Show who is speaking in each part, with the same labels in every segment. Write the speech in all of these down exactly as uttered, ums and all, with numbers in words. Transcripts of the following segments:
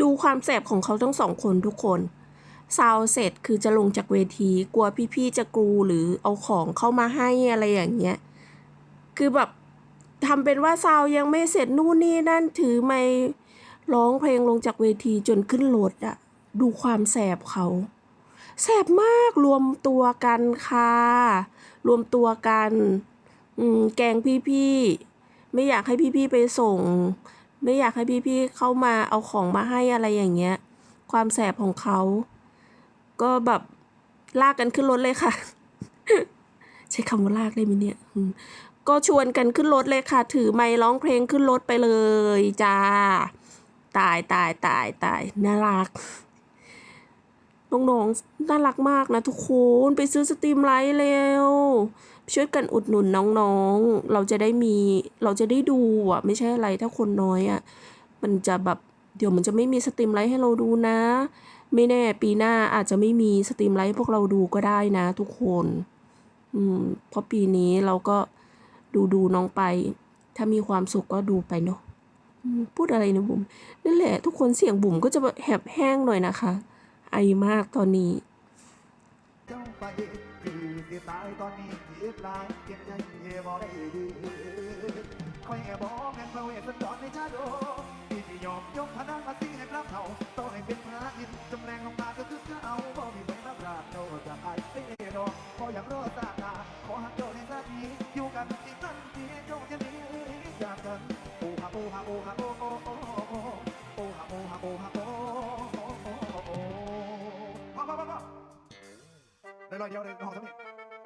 Speaker 1: ดูความแสบของเขาทั้งสองคนทุกคนซาวเสร็จคือจะลงจากเวทีกลัวพี่ๆจะกรูหรือเอาของเข้ามาให้อะไรอย่างเงี้ยคือแบบทำเป็นว่าซาวยังไม่เสร็จนู่นนี่นั่นถือไมค์ร้องเพลงลงจากเวทีจนขึ้นรถอะดูความแสบเขาแสบมากรวมตัวกันค่ะรวมตัวกันแกล้งพี่ๆไม่อยากให้พี่ๆไปส่งไม่อยากให้พี่ๆเข้ามาเอาของมาให้อะไรอย่างเงี้ยความแสบของเขาก็แบบลากกันขึ้นรถเลยค่ะ ใช้คำว่าลากได้ไหมเนี่ยก็ชวนกันขึ้นรถเลยค่ะถือไมค์ร้องเพลงขึ้นรถไปเลยจ้าตายตายตายตายน่ารักน้องๆน่ารักมากนะทุกคนไปซื้อสตรีมไลท์เร็วช่วยกันอุดหนุนน้องๆเราจะได้มีเราจะได้ดูอ่ะไม่ใช่อะไรถ้าคนน้อยอ่ะมันจะแบบเดี๋ยวมันจะไม่มีสตรีมไลท์ให้เราดูนะไม่แน่ปีหน้าอาจจะไม่มีสตรีมไลท์พวกเราดูก็ได้นะทุกคนอืมเพราะปีนี้เราก็ดูดูน้องไปถ้ามีความสุขก็ดูไปเนาะพูดอะไรนะบุ๋มนั่นแหละทุกคนเสียงบุ๋มก็จะแหบแห้งหน่อยนะคะไอมากตอนนี้
Speaker 2: เจ้าไปคือสิตายตอนนี้คิดลายเก็บใจเย่บ่ได้ดีคอยแอบบอกแม่นพระเวสสันดรในชาดกที่ที่ยอมยกพนังมาสิให้พระเท่าต่อให้เป็นพระอินทร์จำแรงลงมาก็คือเจ้าบ่มีใครรับราชโนจากไอ้เต้ดอกขออยากรอดตาตาขอหักเจ้าในสักทีอยู่กันที่สันทีเจ้าจะหนีจากกันโอ้ฮะโอ้ฮะโอ้ฮะโอ้โอ้โอ้โอ้ฮะโอ้ฮะโอ้ฮะโอ้โอ้พ่อพ่อพ่อได้รอยเดียวเลยห้องสมิ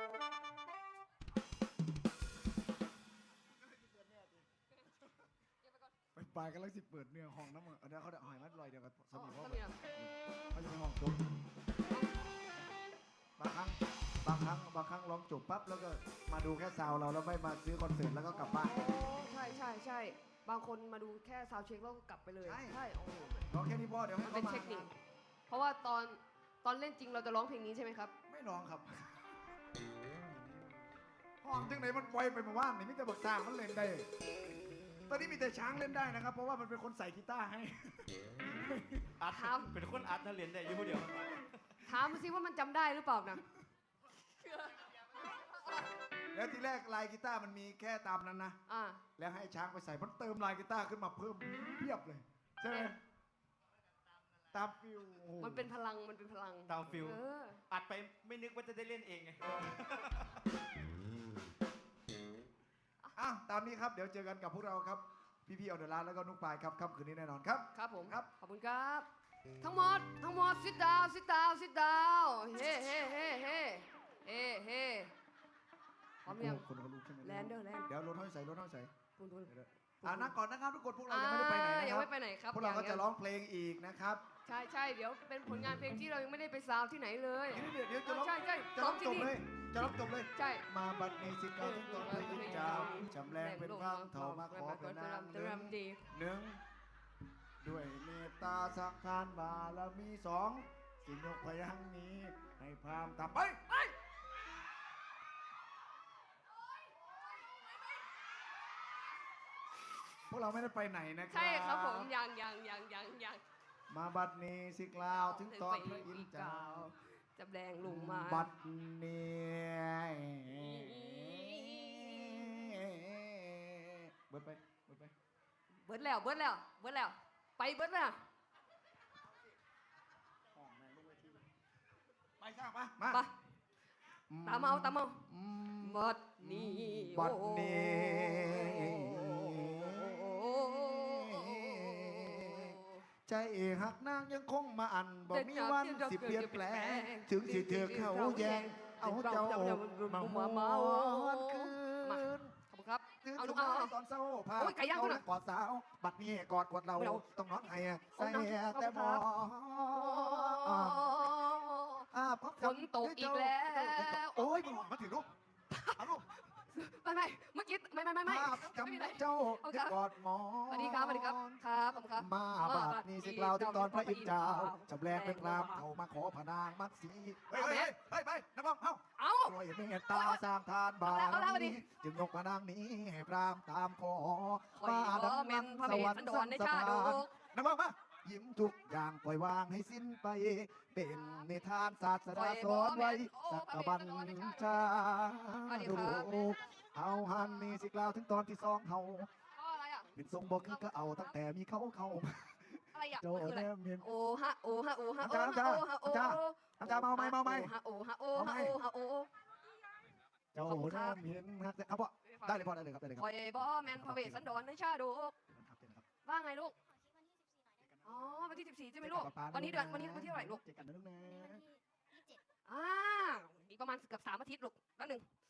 Speaker 2: ไปปลายกันแล้วสิเปิดเนื้อห้องน้ำมันอันนี้เขาได้หอยมัดรอยเดียวกับสมิเขาเขาจะเป็นห้องจบบางครั้งบางครั้งบางครั้งร้องจบปั๊บแล้วก็มาดูแค่ซาวเราแล้วไม่มาซื้อคอนเสิร์ตแล้วก็กลับบ้าน
Speaker 3: ใช่ใช่ใช่บางคนมาดูแค่ซาวเช็คแล้วก็กลับไปเลยใช่โอ้โห
Speaker 2: ร้องแค่นี้พอเดี๋ยวให้
Speaker 3: มันเป็นเทคนิคเพราะว่าตอนตอนเล่นจริงเราจะร้องเพลงนี้ใช่ไหมครับ
Speaker 2: ไม่ร้องครับห้องจังไหนมันไวไปมาว่านนี่มิแต่บักซางมันเล่นได้ตอนนี้มีแต่ช้างเล่นได้นะครับเพราะว่ามันเป็นคนใส่กีตาร์ให้
Speaker 4: อัดเป็นคนอัดนักเรียนได้อยู่เดียว
Speaker 3: ถามมาสิว่ามันจำได้หรือเปล่านะ
Speaker 2: แล้วทีแรกลายกีตาร์มันมีแค่ตามนั้นนะแล้วให้ช้างไปใส่มันเติมลายกีตาร์ขึ้นมาเพิ่มเพียบเลยใช่ไหมตามฟิล
Speaker 3: มันเป็นพลังมันเป็นพลัง
Speaker 4: ตามฟิลอัดไปไม่นึกว่าจะได้เล่นเองไง
Speaker 2: อ่ะตามนี้ครับเดี๋ยวเจอกันกับพวกเราครับพี่ๆออเดอร์ร้านแล้วก็นุ๊กปายครับค่ำคืนนี้แน่นอนครับ
Speaker 3: ครับผมครับขอบคุณครับทั้งหมดทั้งหมด sit down sit down sit down เฮ้เฮ้เฮ้เฮ้เฮ้เฮ้พร้อมยัง
Speaker 2: คนเขารู้ใช่ไหม
Speaker 3: แลนเดอร์แลน
Speaker 2: เดี๋ยวรถห้อยใส่รถห้อยใส่
Speaker 3: ปุ่นปุ่น
Speaker 2: อ่านั่งก่อนนะครับทุกคนพวกเรายังไม่ได้ไปไหนนะครับ
Speaker 3: ยังไม่ไปไหนครับ
Speaker 2: พวกเราก็จะร้องเพลงอีกนะครับ
Speaker 3: ใช่ใช่เดี๋ยวเป็นผลงานเพลงที่เรายังไม่ได้ไปซาวที่ไหนเลย
Speaker 2: เดี๋ยวเดี๋ยวจะร้อง
Speaker 3: ใช่ใช่
Speaker 2: จะร้องจบเลยจะร้องจบเลย
Speaker 3: ใช่
Speaker 2: มาบัดนี้สิกาทุกตอนพระอินทร์เจ้าจำแรงเป็นพระเถ่ามาขอเป็นนามหนึ่งหนึ่งด้วยเมตตาสักทานบารมีสองสิยกพยังนี้ให้พรามทำไปไปพวกเราไม่ได้ไปไหนนะครับ
Speaker 3: ใช่ครับผมยังยังยังยังยัง
Speaker 2: มาบัดนี้สิกล่าวถึงตอนพระอินทร์เจ้า
Speaker 3: จะแดงลงมา
Speaker 2: บัดนี้เบิดไปเบิดไป
Speaker 3: เบิดแล้วเบิดแล้วเบิดแล้วไปเบิดแล้ว
Speaker 2: ไปสร้างปะมา
Speaker 3: ตามเอาตามเอาบัดนี้
Speaker 2: บัดนี้ใจหักนางยังคงมาอันบอกมีวันสิเปลี่ยนแปลงถึงสิเธอเข้าแยงเอาเจ้ามาหวนคืน
Speaker 3: ขอบคุณครับ
Speaker 2: เอาลูกเอาตอนเศร้าพาเขาและกอดสาวบัดนี้กอดกอดเราต้องร้องไห้ใส่แต่บอ
Speaker 3: ฝนตกอีกแล้ว
Speaker 2: โอ้ยมึงมาถึงลูกเอาลูก
Speaker 3: ไม่ไม่เมื่อกี้ไม่ไม่ไม่ไม่
Speaker 2: จำเจ้ากอดหมอ
Speaker 3: สวัสดีครับสวัสดีครับครับผมครับ
Speaker 2: มาบาดนี้สิกล่าวถึงตอนพระอินทร์เจ้าจำแรงเป็นรามเขามาขอพนางมัดสีเฮ้ยเฮ้ยเฮ้ยไปนักร้องเอ้า
Speaker 3: เอา
Speaker 2: ด้วยเมตตาสร้างทานบารมีจึงยกพนางนี้ให้พรามตามขอ
Speaker 3: มาดังนั้นสวรรค์สันสถาน
Speaker 2: นักร้องมายิ้มทุกอย่างปล่อยวางให้สิ้นไป เป็นนิทานศาสดาสอนไว้สักบัญชาลูกเอาหันมีสิกล่าวถึงตอนที่สองเฮา
Speaker 3: อ๋ออะไรอ่ะ
Speaker 2: เป็นทรงบอกคือก็เอาตั้งแต่มีเขาเข้ามา
Speaker 3: อะไรอ่ะ
Speaker 2: โจ
Speaker 3: มันคืออะไร
Speaker 2: แนมเห็น
Speaker 3: โอ้ฮะโอ้ฮะโอ้ฮะ
Speaker 2: น้ำ
Speaker 3: โอ้
Speaker 2: จ้า
Speaker 3: ฮะโอ้
Speaker 2: น้ำ
Speaker 3: ฮะ
Speaker 2: จ้า น้ำจ้าเมาไหมเมาไหม
Speaker 3: โอ้ฮะโอ้ฮะโอ้ฮะโอ้ฮะโอ้
Speaker 2: เจ้าแนมเห็นฮักเอาพ่อได้เลยพ่อได้เลยครับได้เลยค
Speaker 3: ครับ อยบ่แมนพระเวสสันดรในชาดก
Speaker 2: ครับเชิญครับ
Speaker 3: ว่าไงลูก อ๋อ วันที่สิบสี่ใช่ไหมลูก วันนี้เดือนวันนี้วันที่เท่าไหร่ลูก
Speaker 2: เจอกันนะลูกนะ
Speaker 3: อ่าอีกประมาณเกือบสามอาทิตย์ลูกแป๊บหนึง